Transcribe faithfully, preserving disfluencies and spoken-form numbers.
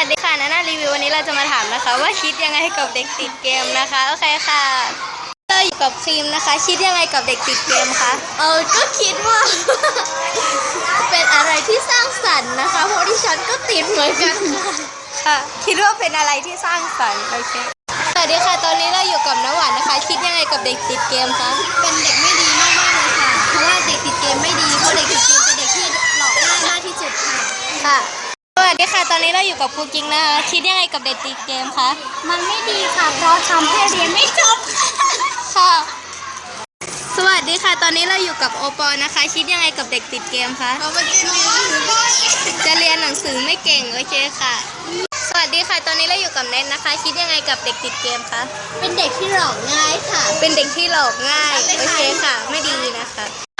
วัสดีค่ะนาน่ารีวิววันนี้เราจะมาถามนะคะว่าคิดยังไงกับเด็กติดเกมนะคะโอเคค่ะเราอยู่กับครีมนะคะคิดยังไงกับเด็กติดเกมคะเออก็คิดว่า เป็นอะไรที่สร้างสรรค์นะคะเพราะที่ฉันก็ติดเหมือนกันค่ะค่ะคิดว่าเป็นอะไรที่สร้างสรรค์โอเคสวัสดีค่ะตอนนี้เราอยู่กับน้ำหวานนะคะคิดยังไงกับเด็กติดเกมคะเป็นเด็กไม่ดีมากๆเลยค่ะเพราะว่าเด็กติดเกมไม่ดีเพราะเด็กติดเกมเป็นเด็กที่หลอกง่ายมากที่สุดค่ะค่ะสวัสดีค่ะตอนนี้เราอยู่กับครูกิ๊งนะคะคิดยังไงกับเด็กติดเกมคะมันไม่ดีค่ะเพราะทำให้เรียนไม่จบค่ะสวัสดีค่ะตอนนี้เราอยู่กับโอปอนะคะคิดยังไงกับเด็กติดเกมคะเพราะมันจะเรียนหนังสือไม่จะเรียนหนังสือไม่เก่งโอเคค่ะสวัสดีค่ะตอนนี้เราอยู่กับเน็ตนะคะคิดยังไงกับเด็กติดเกมคะเป็นเด็กที่หลอกง่ายค่ะเป็นเด็กที่หลอกง่ายโอเคค่ะไม่ดีนะคะ